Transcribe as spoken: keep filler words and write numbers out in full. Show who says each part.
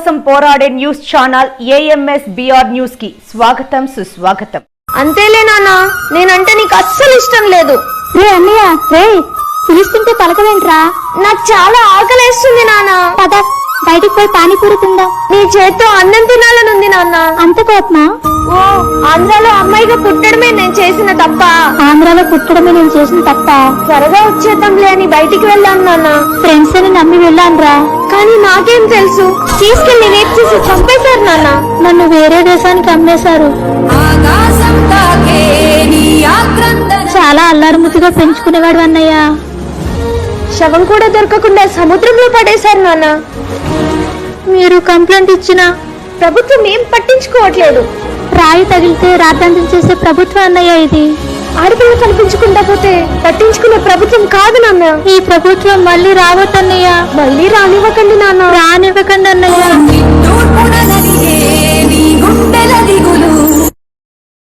Speaker 1: కోసం పోరాడే news channel AMS BR news కి స్వాగతం సుస్వాగతం.
Speaker 2: అంతేలే నాన్న, నేనంటే నీకు అస్సలు ఇష్టం లేదు.
Speaker 3: రే అన్నయ్య, రే పిలుస్తుంటే పలకవేంట్రా?
Speaker 2: నాకు చాలా ఆకలేస్తుంది నాన్న.
Speaker 3: పద బయటికి పోయి పానీపూరి తిందాం.
Speaker 2: నీ చేత్తో అన్నం తినాలనుంది నాన్న.
Speaker 3: అంత కోపమా?
Speaker 2: ఓ, ఆంధ్రాలో అమ్మాయిగా పుట్టడమే నేను చేసిన తప్ప.
Speaker 3: ఆంధ్రాలో పుట్టడమే నేను చేసిన తప్ప.
Speaker 2: త్వరగా వచ్చేద్దాంలే అని బయటికి వెళ్ళాను నాన్న.
Speaker 3: ఫ్రెండ్స్ అని నమ్మి వెళ్ళానురా,
Speaker 2: కానీ నాకేం తెలుసు, తీసుకెళ్లి రేపు చేసి చంపేశారు నాన్న.
Speaker 3: నన్ను వేరే దేశానికి అమ్మేశారు. చాలా అల్లారుముద్దుగా పెంచుకునేవాడు అన్నయ్య.
Speaker 2: శవం కూడా దొరకకుండా సముద్రంలో పడేశారు నాన్న.
Speaker 3: మీరు కంప్లైంట్ ఇచ్చినా
Speaker 2: ప్రభుత్వం ఏం పట్టించుకోవట్లేదు.
Speaker 3: రాయి తగిలితే రాద్ధాంతం చేసే ప్రభుత్వం అన్నయ్య ఇది.
Speaker 2: ఆడపిల్ల కనిపించకుండా పోతే పట్టించుకునే ప్రభుత్వం కాదు నాన్న.
Speaker 3: ఈ ప్రభుత్వం మళ్ళీ రావద్దన్నయ్య.
Speaker 2: మళ్ళీ రానివ్వకండి నాన్న.
Speaker 3: రానివ్వకండి అన్నయ్య.